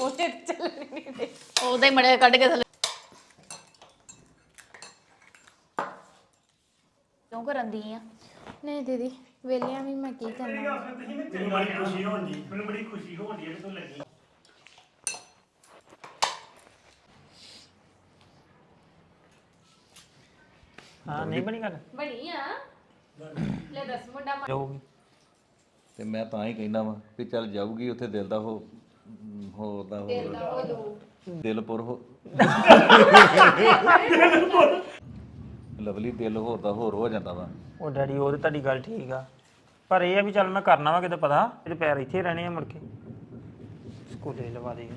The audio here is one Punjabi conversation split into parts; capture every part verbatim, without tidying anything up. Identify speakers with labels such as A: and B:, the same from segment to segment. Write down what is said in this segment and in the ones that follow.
A: ਪੋਚੇ ਚੱਲਣੇ ਨਹੀਂ ਦੇ
B: ਉਹਦਾ ਹੀ ਮੜੇ ਕੱਢ ਕੇ ਥੱਲੇ ਕਿਉਂ ਕਰਨ ਦੀ ਆ
A: ਨਹੀਂ ਦੀਦੀ ਵੇਲਿਆਂ ਵੀ ਮੈਂ ਕੀ ਕਰਨਾ
C: ਮੈਨੂੰ ਬੜੀ ਖੁਸ਼ੀ ਹੋਣੀ ਮੈਨੂੰ ਬੜੀ ਖੁਸ਼ੀ ਹੋਣੀ ਹੈ ਕਿ ਤੂੰ ਲੱਗੀ ਹਾਂ ਨਹੀਂ ਬਣੀ ਗੱਲ
A: ਬਣੀ ਆ ਲੈ ਦੱਸ ਮੁੰਡਾ
C: ਜਾਊਗੀ
D: ਤੇ ਮੈਂ ਤਾਂ ਹੀ ਕਹਿੰਦਾ ਵਾਂ ਵੀ ਚੱਲ ਜਾਊਗੀ ਉੱਥੇ ਦਿਲ ਦਾ ਹੋ ਹੋਰ ਦਾ ਹੋ ਦਿਲਪੁਰ ਹੋ ਲਵਲੀ ਦਿਲ ਹੋਰ ਦਾ ਹੋਰ ਹੋ ਜਾਂਦਾ ਵਾ
C: ਉਹ ਡੈਡੀ ਉਹ ਤੇ ਤੁਹਾਡੀ ਗੱਲ ਠੀਕ ਆ ਪਰ ਇਹ ਆ ਵੀ ਚੱਲ ਮੈਂ ਕਰਨਾ ਵਾ ਕਿਤੇ ਪਤਾ ਇਹਦੇ ਪੈਰ ਇੱਥੇ ਰਹਿਣੇ ਆ ਮੁੜ ਕੇ ਸਕੂਲੇ ਲਵਾ ਦੇ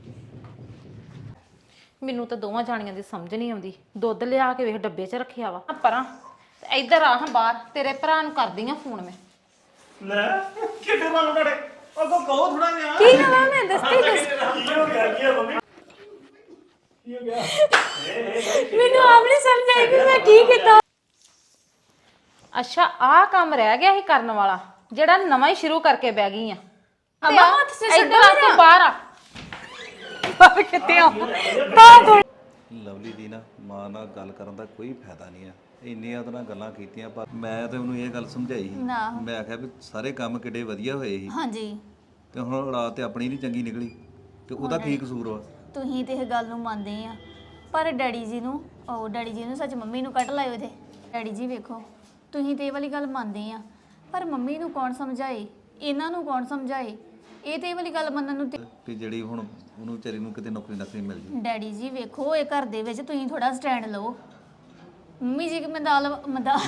A: ਮੈਨੂੰ ਤਾਂ ਦੋਵਾਂ ਜਾਣੀਆਂ ਦੀ ਸਮਝ ਨਹੀਂ ਆਉਂਦੀ ਦੁੱਧ ਲਿਆ ਕੇ ਵੇਖ ਡੱਬੇ 'ਚ ਰੱਖਿਆ ਵਾ ਪਰਾਂ ਤੇ ਇੱਧਰ ਆ ਹਾਂ ਬਾਹਰ ਤੇਰੇ ਭਰਾ ਨੂੰ ਕਰਦੀ ਆ ਫੋਨ ਮੈਂ
C: ਲੈ ਕਿੱਥੇ ਮਾਲੂ ਡੜੇ ਉਹ ਕੋ ਕਹੋ ਥੋੜਾ ਜਿਹਾ
A: ਕੀ ਕਰਾਂ ਮੈਂ ਦੱਸਦੀ ਦੱਸ
C: ਕੀ ਹੋ ਗਿਆ ਕੀ ਹੋ ਮੰਮੀ ਕੀ ਹੋ ਗਿਆ
A: ਮੈਨੂੰ ਆਪ ਨਹੀਂ ਸਮਝ ਆਈ ਕਿ ਮੈਂ ਕੀ ਕੀਤਾ ਅੱਛਾ ਆਹ ਕੰਮ ਰਹਿ ਗਿਆ ਸੀ ਕਰਨ ਵਾਲਾ ਜਿਹੜਾ ਨਵਾਂ ਹੀ ਸ਼ੁਰੂ ਕਰਕੇ ਬਹਿ ਗਈ ਆ ਅਮਾ ਹੱਥ ਸੇ ਇੱਧਰ ਆ ਤੂੰ ਬਾਹਰ ਆ ਬਾਹਰ ਕਿੱਥੇ ਆ ਬਾਹਰ
D: ਲਵਲੀ ਦੀ ਨਾ ਮਾਂ ਨਾਲ ਗੱਲ ਕਰਨ ਦਾ ਕੋਈ ਫਾਇਦਾ ਨਹੀਂ ਆ ਇੰਨੀਆਂ ਉਹਦੇ ਨਾਲ ਗੱਲਾਂ ਕੀਤੀਆਂ ਪਰ ਮੈਂ ਤੇ ਉਹਨੂੰ ਇਹ ਗੱਲ ਸਮਝਾਈ ਸੀ ਮੈਂ ਆਖਿਆ ਵੀ ਸਾਰੇ ਕੰਮ ਕਿੱਡੇ ਵਧੀਆ ਹੋਏ ਸੀ
B: ਹਾਂਜੀ
D: ਤੇ ਹੁਣ ਰਾਤ ਤੇ ਆਪਣੀ ਨਹੀਂ ਚੰਗੀ ਨਿਕਲੀ ਤੇ ਉਹਦਾ ਕੀ ਕਸੂਰ ਵਾ
B: ਤੁਸੀਂ ਤੇ ਇਹ ਗੱਲ ਨੂੰ ਮੰਨਦੇ ਆ ਪਰ ਡੈਡੀ ਜੀ ਨੂੰ ਉਹ ਡੈਡੀ ਜੀ ਨੂੰ ਸੱਚ ਮੰਮੀ ਨੂੰ ਕੱਢ ਲਾਇਓ ਇਹਦੇ ਡੈਡੀ ਜੀ ਵੇਖੋ ਤੁਸੀਂ ਤੇ ਇਹ ਵਾਲੀ ਗੱਲ ਮੰਨਦੇ ਆ ਪਰ ਮੰਮੀ ਨੂੰ ਕੌਣ ਸਮਝਾਏ ਇਹਨਾਂ ਨੂੰ ਕੌਣ ਸਮਝਾਏ ਇਹ ਤੇ ਇਹ ਵਾਲੀ ਗੱਲ ਮੰਨਣ ਨੂੰ
D: ਕਿ ਜਿਹੜੀ ਹੁਣ ਉਹਨੂੰ ਵਿਚਾਰੀ ਨੂੰ ਕਿਤੇ ਨੌਕਰੀ ਨੌਕਰੀ ਮਿਲ ਜੇ
B: ਡੈਡੀ ਜੀ ਵੇਖੋ ਇਹ ਘਰ ਦੇ ਵਿੱਚ ਤੁਸੀਂ ਥੋੜਾ ਸਟੈਂਡ ਲਓ ਮੰਮੀ ਜੀ ਕਿ ਮਦਾਲ ਮਦਾ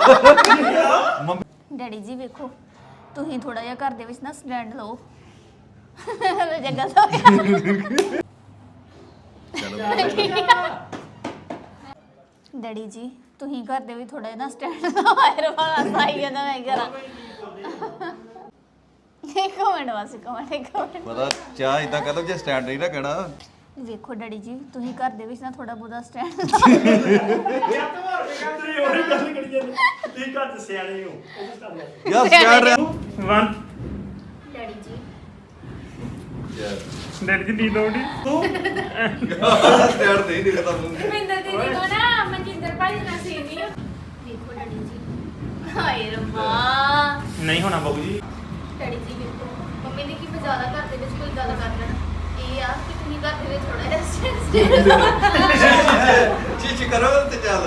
B: ਡੈਡੀ ਜੀ ਵੇਖੋ ਤੁਸੀਂ ਥੋੜਾ ਜਿਹਾ ਘਰ ਦੇ ਵਿੱਚ ਨਾ ਸਟੈਂਡ ਲਓ ਜਗ੍ਹਾ ਤੋਂ ਡੈਡੀ ਜੀ ਤੁਸੀਂ ਘਰ ਦੇ ਵੀ ਥੋੜਾ ਜਿਹਾ ਨਾ ਸਟੈਂਡ ਲਓ ਆਇਰ ਵਾਲਾ ਸਾਈ ਜਾਂਦਾ ਮੈਂ ਕਰਾਂ ਇੱਕ ਮਿੰਟ ਵਾਸਤੇ ਕਮੈਂਟ ਇੱਕ ਮਿੰਟ
D: ਪਤਾ ਚਾਹ ਇਦਾਂ ਕਹ ਲਓ ਜੇ ਸਟੈਂਡ ਨਹੀਂ ਰੱਖਣਾ
B: ਵੇਖੋ ਡੈਡੀ ਜੀ ਤੁਸੀਂ ਘਰ ਦੇ ਵਿੱਚ ਨਾ ਥੋੜਾ ਬਹੁਤਾ ਸਟੈਂਡ
C: ਤੁਸੀਂ ਉਹੀ ਗੱਲ ਕਰੀ ਜਾਂਦੇ ਤੁਸੀਂ ਘਰ ਦੇ ਸਿਆਣੇ ਹੋ
D: ਯਾਰ ਸਟੈਂਡ ਰਿਹਾ
C: ਵਨ
B: ਡੈਡੀ ਜੀ
D: ਯਾਰ
C: ਡੈਡੀ ਦੀ ਨੀਂਦ ਆਉਂਦੀ ਤੂੰ
D: ਸਟੈਂਡ ਨਹੀਂ ਦਿਖਦਾ ਮੂੰਹ
A: ਮਿੰਦਰ ਦੀਦੀ ਕੋ ਨਾ ਮਨਜਿੰਦਰ ਭਾਈ ਨਾਲ ਸੀਨੀ
B: ਵੇਖੋ ਡੈਡੀ ਜੀ ਹਾਏ ਰੱਬਾ
C: ਨਹੀਂ ਹੋਣਾ ਬਾਬੂ ਜੀ
B: ਡੈਡੀ ਜੀ ਵੇਖੋ ਮੰਮੀ ਨੇ ਕੀ ਮਜ਼ਾਲਾ ਘਰ ਦੇ ਵਿੱਚ ਕੋਈ ਗੱਲ ਕਰ ਲੈਣਾ ਇਹ ਆ ਕਿ ਤੁਸੀਂ ਘਰ ਦੇ ਵਿੱਚ ਥੋੜਾ ਜਿਹਾ ਸਟੈਂਡ
D: ਚੀਚ ਕਰੋ ਤੇ ਚੱਲ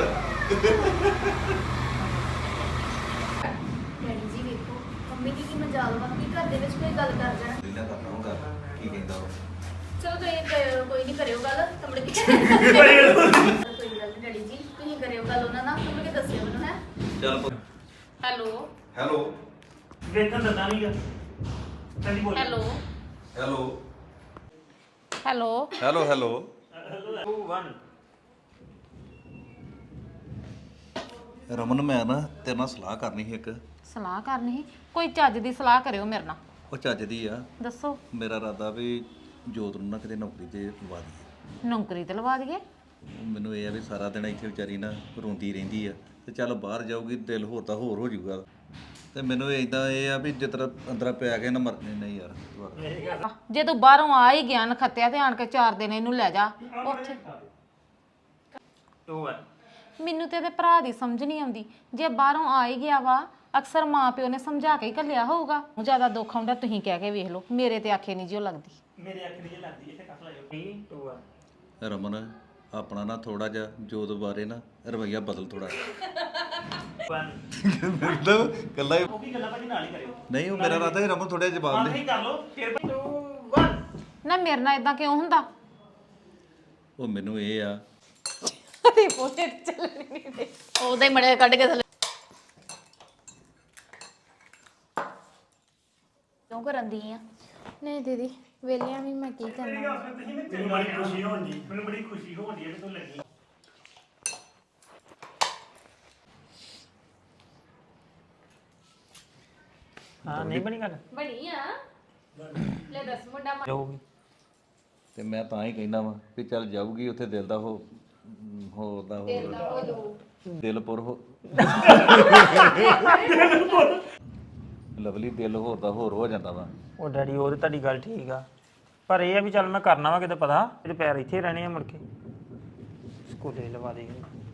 B: ਡੈਡੀ ਜੀ ਵੇਖੋ ਮੰਮੀ ਦੀ ਕੀ ਮਜ਼ਾਲ ਵਾ ਕਿ ਘਰ ਦੇ ਵਿੱਚ ਕੋਈ ਗੱਲ ਕਰ ਜਾਣਾ
D: ਇਹਨਾਂ ਕਰਨਾ ਹੁੰਦਾ ਕੀ ਕਹਿੰਦਾ ਉਹ
B: ਚਲੋ ਤੁਸੀਂ ਕ- ਕੋਈ ਨਹੀਂ ਕਰਿਓ ਗੱਲ ਤਮੜੇ ਕੀ ਕੋਈ ਗੱਲ ਨੀ ਡੈਡੀ ਜੀ ਤੁਸੀਂ ਕਰਿਓ ਗੱਲ ਉਹਨਾਂ ਨਾਲ ਤਮੜੇ ਦੱਸਿਓ ਮੈਨੂੰ ਹੈ
D: ਚੱਲ
A: ਹੈਲੋ
D: ਹੈਲੋ
C: ਵੇਖਣ ਦਿੰਦਾ ਨਹੀਂਗਾ ਚੱਲੀ ਬੋਲ
A: hello
D: hello
A: hello
D: hello hello
C: two one
D: Raman ਮੈਂ ਨਾ ਤੇਰੇ ਨਾਲ ਸਲਾਹ ਕਰਨੀ ਸੀ ਇੱਕ
A: ਸਲਾਹ ਕਰਨੀ ਸੀ ਕੋਈ ਚੱਜ ਦੀ ਸਲਾਹ ਕਰਿਓ ਮੇਰੇ ਨਾਲ
D: ਉਹ ਚੱਜ ਦੀ ਆ
A: ਦੱਸੋ
D: ਮੇਰਾ ਇਰਾਦਾ ਵੀ ਜੋਤ ਨੂੰ ਨਾ ਕਿਤੇ ਨੌਕਰੀ ਤੇ ਲਵਾ ਦਈਏ
A: ਨੌਕਰੀ ਤੇ ਲਵਾ ਦਈਏ
D: ਉਹ ਮੈਨੂੰ ਇਹ ਆ ਵੀ ਸਾਰਾ ਦਿਨ ਇੱਥੇ ਵਿਚਾਰੀ ਨਾ ਰੋਂਦੀ ਰਹਿੰਦੀ ਆ ਤੇ ਚੱਲ ਬਾਹਰ ਜਾਊਗੀ ਦਿਲ ਹੋਰ ਤਾਂ ਹੋਰ ਹੋ ਜਾਊਗਾ ਤੇ ਮੈਨੂੰ ਇਦਾਂ ਇਹ ਆ ਵੀ ਜਿਸ ਤਰ੍ਹਾਂ ਅੰਦਰਾਂ ਪਿਆ ਕੇ ਨਾ ਮਰਨੇ ਨਹੀਂ ਯਾਰ ਦੁਬਾਰਾ।
A: ਜੇ ਤੂੰ ਬਾਹਰੋਂ ਆ ਹੀ ਗਿਆ ਨਖੱਤਿਆ ਤੇ ਆਣ ਕੇ ਚਾਰ ਦਿਨ ਇਹਨੂੰ ਲੈ ਜਾ ਉੱਥੇ
C: ਟੂ ਵਨ
A: ਮੈਨੂੰ ਤੇ ਇਹਦੇ ਭਰਾ ਦੀ ਸਮਝ ਨਹੀਂ ਆਉਂਦੀ ਜੇ ਬਾਹਰੋਂ ਆ ਹੀ ਗਿਆ ਵਾ ਅਕਸਰ ਮਾਂ ਪਿਓ ਨੇ ਸਮਝਾ ਕੇ ਹੀ ਘੱਲਿਆ ਹੋਊਗਾ ਜ਼ਿਆਦਾ ਦੁੱਖ ਆਉਂਦਾ ਤੁਸੀਂ ਕਹਿ ਕੇ ਵੇਖ ਲਓ ਮੇਰੇ ਤੇ ਆਖੇ ਨਹੀਂ ਜਿਉ ਲੱਗਦੀ
C: ਮੇਰੇ ਅੱਖ ਦੀ ਲੱਗਦੀ ਇੱਥੇ ਕੱਟ ਲਾਇਓ ਥ੍ਰੀ ਟੂ ਵਨ
D: ਰਮਨ ਆਪਣਾ ਨਾ ਥੋੜਾ ਜਿਹਾ ਜੋਤ ਬਾਰੇ ਨਾ ਰਵਈਆ ਬਦਲ ਥੋੜਾ
C: ਵਨ
D: ਮਤਲਬ ਕੱਲਾ ਹੀ
C: ਉਹ ਵੀ ਗੱਲਾਂ ਭਾਜੀ ਨਾਲ ਹੀ ਕਰਿਓ
D: ਨਹੀਂ ਉਹ ਮੇਰਾ ਇਰਾਦਾ ਹੈ ਰਮਨ ਥੋੜਾ ਜਿਹਾ ਜਵਾਬ ਦੇ
C: ਨਹੀਂ ਕਰ ਲਓ ਫਿਰ ਟੂ ਵਨ
A: ਨਾ ਮੇਰੇ ਨਾਲ ਇਦਾਂ ਕਿਉਂ ਹੁੰਦਾ
D: ਉਹ ਮੈਨੂੰ ਇਹ ਆ
A: ਤੇ ਪੋਚੇ ਚੱਲਣੇ ਨਹੀਂ ਦੇ
B: ਉਹਦਾ ਹੀ ਮੜੇ ਕੱਢ ਕੇ ਥੱਲੇ ਕਿਉਂ ਕਰਨ ਦੀ ਆ
A: ਨਹੀਂ ਦੀਦੀ ਵੇਲਿਆਂ ਵੀ ਮੈਂ ਕੀ ਕਰਨਾ
C: ਮੈਨੂੰ ਬੜੀ ਖੁਸ਼ੀ ਹੋਣੀ ਮੈਨੂੰ ਬੜੀ ਖੁਸ਼ੀ ਹੋਣੀ ਹੈ ਕਿ ਤੂੰ ਲੱਗੀ ਹਾਂ ਨਹੀਂ ਬਣੀ ਗੱਲ
A: ਬਣੀ ਆ ਲੈ ਦੱਸ ਮੁੰਡਾ
C: ਜਾਊਗੀ
D: ਤੇ ਮੈਂ ਤਾਂ ਹੀ ਕਹਿੰਦਾ ਵਾਂ ਵੀ ਚੱਲ ਜਾਊਗੀ ਉੱਥੇ ਦਿਲ ਦਾ ਹੋ ਹੋਰ ਦਾ ਹੋਰ ਦਿਲਪੁਰ ਹੋ ਲਵਲੀ ਦਿਲ ਹੋਰ ਦਾ ਹੋਰ ਹੋ ਜਾਂਦਾ ਵਾ
C: ਉਹ ਡੈਡੀ ਉਹ ਤੇ ਤੁਹਾਡੀ ਗੱਲ ਠੀਕ ਆ ਪਰ ਇਹ ਆ ਵੀ ਚੱਲ ਮੈਂ ਕਰਨਾ ਵਾ ਕਿਤੇ ਪਤਾ ਇਹਦੇ ਪੈਰ ਇੱਥੇ ਰਹਿਣੇ ਆ ਮੁੜ ਕੇ ਸਕੂਲੇ ਲਵਾ ਦੇ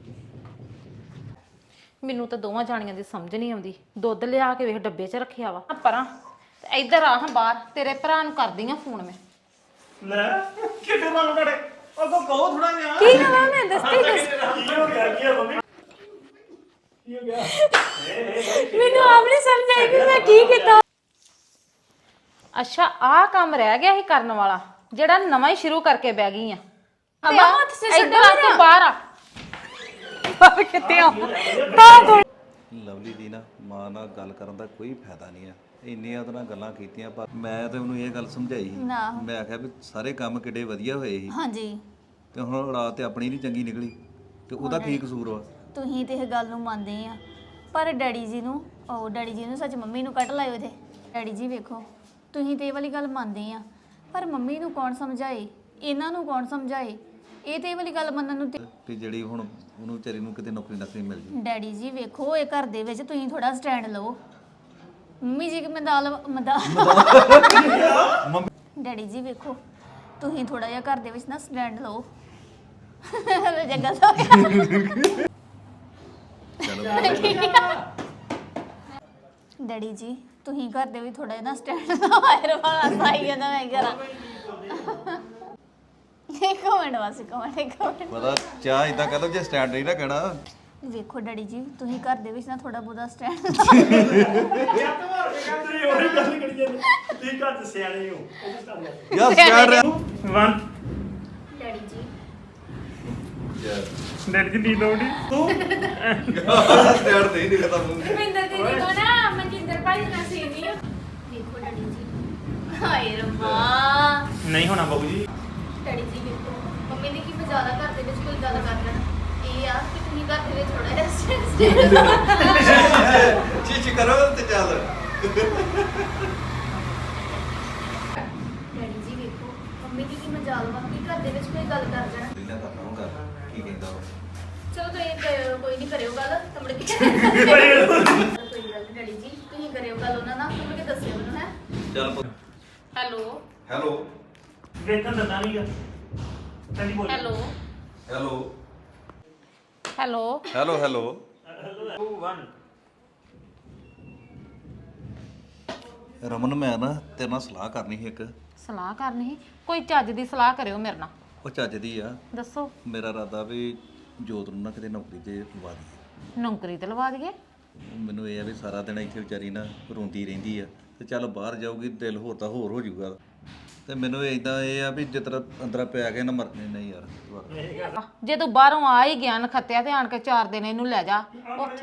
A: ਮੈਨੂੰ ਤਾਂ ਦੋਵਾਂ ਜਾਣੀਆਂ ਦੀ ਸਮਝ ਨਹੀਂ ਆਉਂਦੀ ਦੁੱਧ ਲਿਆ ਕੇ ਵੇਖ ਡੱਬੇ 'ਚ ਰੱਖਿਆ ਵਾ ਪਰਾਂ ਤੇ ਇੱਧਰ ਆ ਹਾਂ ਬਾਹਰ ਤੇਰੇ ਭਰਾ ਨੂੰ ਕਰਦੀ ਆ ਫੋਨ ਮੈਂ
C: ਲੈ ਕਿੱਥੇ ਮੰਗ ਕੜੇ ਉਹ ਕੋ ਕਹੋ ਥੋੜਾ ਜਿਹਾ
A: ਕੀ ਕਰਾਂ ਮੈਂ ਦੱਸਦੀ ਦੱਸ
C: ਕੀ ਹੋ ਗਿਆ ਕੀ ਹੋ ਮੰਮੀ ਕੀ ਹੋ ਗਿਆ
A: ਮੈਨੂੰ ਆਪ ਨਹੀਂ ਸਮਝ ਆਈ ਕਿ ਮੈਂ ਕੀ ਕੀਤਾ ਅੱਛਾ ਆਹ ਕੰਮ ਰਹਿ ਗਿਆ ਸੀ ਕਰਨ ਵਾਲਾ ਜਿਹੜਾ ਨਵਾਂ ਹੀ ਸ਼ੁਰੂ ਕਰਕੇ ਬਹਿ ਗਈ ਆ
B: ਅਮਾ ਹੱਥ ਸੇ ਛੱਡੋ
A: ਇੱਧਰ ਆ ਤੂੰ ਬਾਹਰ ਆ ਬਾਹਰ ਕਿੱਥੇ ਆ ਤਾਂ ਕੋਲ
D: ਲਵਲੀ ਦੀ ਨਾ ਮਾਂ ਨਾਲ ਗੱਲ ਕਰਨ ਦਾ ਕੋਈ ਫਾਇਦਾ ਨਹੀਂ ਆ ਇੰਨੀਆਂ ਉਹਦੇ ਨਾਲ ਗੱਲਾਂ ਕੀਤੀਆਂ ਪਰ ਮੈਂ ਤੇ ਉਹਨੂੰ ਇਹ ਗੱਲ ਸਮਝਾਈ ਸੀ
B: ਨਾ
D: ਮੈਂ ਆਖਿਆ ਵੀ ਸਾਰੇ ਕੰਮ ਕਿੱਡੇ ਵਧੀਆ ਹੋਏ ਸੀ
B: ਹਾਂਜੀ
D: ਤੇ ਹੁਣ ਰਾਤ ਤੇ ਆਪਣੀ ਨਹੀਂ ਚੰਗੀ ਨਿਕਲੀ ਤੇ ਉਹਦਾ ਕੀ ਕਸੂਰ ਵਾ
B: ਤੁਸੀਂ ਤੇ ਇਹ ਗੱਲ ਨੂੰ ਮੰਨਦੇ ਆ ਪਰ ਡੈਡੀ ਜੀ ਨੂੰ ਉਹ ਡੈਡੀ ਜੀ ਨੂੰ ਸੱਚ ਮੰਮੀ ਨੂੰ ਕੱਢ ਲਾਇਓ ਇਹਦੇ ਡੈਡੀ ਜੀ ਵੇਖੋ ਤੁਸੀਂ ਤੇ ਇਹ ਵਾਲੀ ਗੱਲ ਮੰਨਦੇ ਆ ਪਰ ਮੰਮੀ ਨੂੰ ਕੌਣ ਸਮਝਾਏ ਇਹਨਾਂ ਨੂੰ ਕੌਣ ਸਮਝਾਏ ਇਹ ਤੇ ਇਹ ਵਾਲੀ ਗੱਲ ਮੰਨਣ ਨੂੰ ਤੇ
D: ਕਿ ਜਿਹੜੀ ਹੁਣ ਉਹਨੂੰ ਵਿਚਾਰੀ ਨੂੰ ਕਿਤੇ ਨੌਕਰੀ ਨੌਕਰੀ ਮਿਲ ਜੇ
B: ਡੈਡੀ ਜੀ ਵੇਖੋ ਇਹ ਘਰ ਦੇ ਵਿੱਚ ਤੁਸੀਂ ਥੋੜਾ ਸਟੈਂਡ ਲਓ ਮੰਮੀ ਜੀ ਕਿ ਮਦਾਲ ਮਦਾ ਡੈਡੀ ਜੀ ਵੇਖੋ ਤੁਸੀਂ ਥੋੜਾ ਜਿਹਾ ਘਰ ਦੇ ਵਿੱਚ ਨਾ ਸਟੈਂਡ ਲਓ ਜੱਗਾ ਸੋ ਡੈਡੀ ਜੀ ਤੁਸੀਂ ਘਰ ਦੇ ਵੀ ਥੋੜਾ ਜਿਹਾ ਨਾ ਸਟੈਂਡ ਲਓ ਆਇਰ ਵਾਲਾ ਸਾਈ ਜਾਂਦਾ ਮੈਂ ਕਰਾਂ ਇੱਕ ਮਿੰਟ ਵਾਸੀ ਕਮੈਂਟ ਇੱਕ ਮਿੰਟ
D: ਪਤਾ ਚਾਹ ਇਦਾਂ ਕਰ ਲਓ ਜੇ ਸਟੈਂਡ ਨਹੀਂ ਨਾ ਕਹਿਣਾ
B: ਵੇਖੋ ਡੈਡੀ ਜੀ ਤੁਸੀਂ ਘਰ ਦੇ ਵਿੱਚ ਨਾ ਥੋੜਾ ਬਹੁਤਾ ਸਟੈਂਡ
D: ਯਾਰ ਸਟੈਂਡ ਰਿਹਾ
C: ਵਨ
B: ਡੈਡੀ ਜੀ
C: ਡੈਡੀ ਦੀ ਨੀਂਦ ਆਉਂਦੀ ਤੂੰ
D: ਸਟੈਂਡ ਨਹੀਂ ਦਿਖਦਾ ਮੂੰਹ
A: ਮਿੰਦਰ ਦੀਦੀ ਕੋ ਨਾ ਮਨਜਿੰਦਰ ਭਾਈ ਨਾਲ ਸੇਮੀ
B: ਵੇਖੋ ਡੈਡੀ ਜੀ ਹਾਏ ਰੱਬਾ
C: ਨਹੀਂ ਹੋਣਾ ਬਾਬੂ ਜੀ
B: ਡੈਡੀ ਜੀ ਵੇਖੋ ਮੰਮੀ ਨੇ ਕੀ ਮਜ਼ਾਲਾ ਘਰ ਦੇ ਵਿੱਚ ਕੋਈ ਗੱਲ ਕਰ ਲੈਣਾ ਇਹ ਆ ਕਿ ਤੁਸੀਂ ਘਰ ਦੇ ਵਿੱਚ ਥੋੜਾ ਜਿਹਾ ਸਟੈਂਡ
D: ਚੀਚੀ ਕਰੋ ਤੇ ਚੱਲ
B: ਡੈਡੀ ਜੀ ਵੇਖੋ ਮੰਮੀ ਦੀ ਕੀ ਮਜ਼ਾਲ ਵਾ ਕਿ ਘਰ ਦੇ ਵਿੱਚ ਕੋਈ ਗੱਲ ਕਰ ਜਾਣਾ
D: ਲੀਲਾ ਕਰਨਾ ਹੋਗਾ ਕੀ ਕਹਿੰਦਾ ਉਹ
B: ਚਲੋ ਤੁਸੀਂ ਕਰਿਓ- ਕੋਈ ਨਹੀਂ ਕਰਿਓ ਗੱਲ ਤਮੜ ਕੇ ਕੋਈ ਗੱਲ ਨੀ ਡੈਡੀ ਜੀ ਤੁਸੀਂ ਕਰਿਓ ਗੱਲ ਉਹਨਾਂ ਨਾਲ ਤਮੜ ਕੇ ਦੱਸਿਓ ਮੈਨੂੰ ਹੈ
D: ਚੱਲ
A: ਹੈਲੋ
D: ਹੈਲੋ
C: ਵੇਖਣ ਦਿੰਦਾ ਨਹੀਂਗਾ ਤੈਨੂੰ ਬੋਲ
A: hello
D: hello
A: hello
D: hello hello
C: two one
D: Raman ਮੈਂ ਨਾ ਤੇਰੇ ਨਾਲ ਸਲਾਹ ਕਰਨੀ ਸੀ ਇੱਕ
A: ਸਲਾਹ ਕਰਨੀ ਸੀ ਕੋਈ ਚੱਜ ਦੀ ਸਲਾਹ ਕਰਿਓ ਮੇਰੇ ਨਾਲ
D: ਉਹ ਚੱਜ ਦੀ ਆ
A: ਦੱਸੋ
D: ਮੇਰਾ ਇਰਾਦਾ ਵੀ ਜੋਤ ਨੂੰ ਨਾ ਕਿਤੇ ਨੌਕਰੀ ਤੇ ਲਵਾ ਦਈਏ
A: ਨੌਕਰੀ ਤੇ ਲਵਾ ਦਈਏ
D: ਮੈਨੂੰ ਇਹ ਆ ਵੀ ਸਾਰਾ ਦਿਨ ਇੱਥੇ ਵਿਚਾਰੀ ਨਾ ਰੋਂਦੀ ਰਹਿੰਦੀ ਆ ਤੇ ਚੱਲ ਬਾਹਰ ਜਾਊਗੀ ਦਿਲ ਹੋਰ ਤਾਂ ਹੋਰ ਹੋ ਜਾਊਗਾ ਤੇ ਮੈਨੂੰ ਇਦਾਂ ਇਹ ਆ ਵੀ ਜਿਸ ਤਰ੍ਹਾਂ ਅੰਦਰਾਂ ਪੈ ਕੇ ਨਾ ਮਰਨੇ ਨਹੀਂ ਯਾਰ ਜਵਾਕ।
A: ਜੇ ਤੂੰ ਬਾਹਰੋਂ ਆ ਹੀ ਗਿਆ ਨਖੱਤਿਆ ਤੇ ਆਣ ਕੇ ਚਾਰ ਦਿਨ ਇਹਨੂੰ ਲੈ ਜਾ ਉੱਥੇ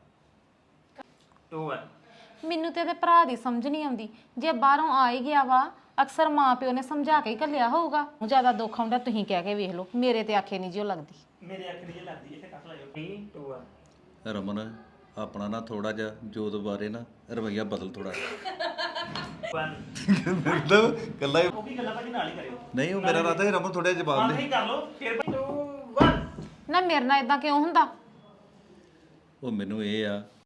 C: ਟੂ ਵਨ
A: ਮੈਨੂੰ ਤੇ ਇਹਦੇ ਭਰਾ ਦੀ ਸਮਝ ਨਹੀਂ ਆਉਂਦੀ ਜੇ ਬਾਹਰੋਂ ਆ ਹੀ ਗਿਆ ਵਾ ਅਕਸਰ ਮਾਂ ਪਿਓ ਨੇ ਸਮਝਾ ਕੇ ਹੀ ਘੱਲਿਆ ਹੋਊਗਾ ਜਿਆਦਾ ਦੁੱਖ ਆਉਂਦਾ ਤੁਸੀਂ ਕਹਿ ਕੇ ਵੇਖ ਲਓ ਮੇਰੇ ਤੇ ਆਖੇ ਨਹੀਂ ਜਿਉ ਲੱਗਦੀ
C: ਮੇਰੇ ਅੱਖ ਦੀ ਲੱਗਦੀ ਇੱਥੇ ਕੱਟ ਲਾਇਓ ਥ੍ਰੀ ਟੂ ਵਨ
D: ਰਮਨ ਆਪਣਾ ਨਾ ਥੋੜਾ ਜਿਹਾ ਜੋਤ ਬਾਰੇ ਨਾ ਰਵਈਆ ਬਦਲ ਥੋੜਾ
C: ਵਨ
D: ਮਤਲਬ ਕੱਲਾ ਹੀ
C: ਉਹ ਵੀ ਗੱਲਾਂ ਭਾਜੀ ਨਾਲ ਹੀ ਕਰਿਓ
D: ਨਹੀਂ ਉਹ ਮੇਰਾ ਇਰਾਦਾ ਹੈ ਰਮਨ ਥੋੜਾ ਜਵਾਬ ਦੇ
C: ਨਹੀਂ ਕਰ ਲਓ ਫਿਰ ਟੂ ਵਨ
A: ਨਾ ਮੇਰੇ ਨਾਲ ਇਦਾਂ ਕਿਉਂ ਹੁੰਦਾ
D: ਉਹ ਮੈਨੂੰ ਇਹ ਆ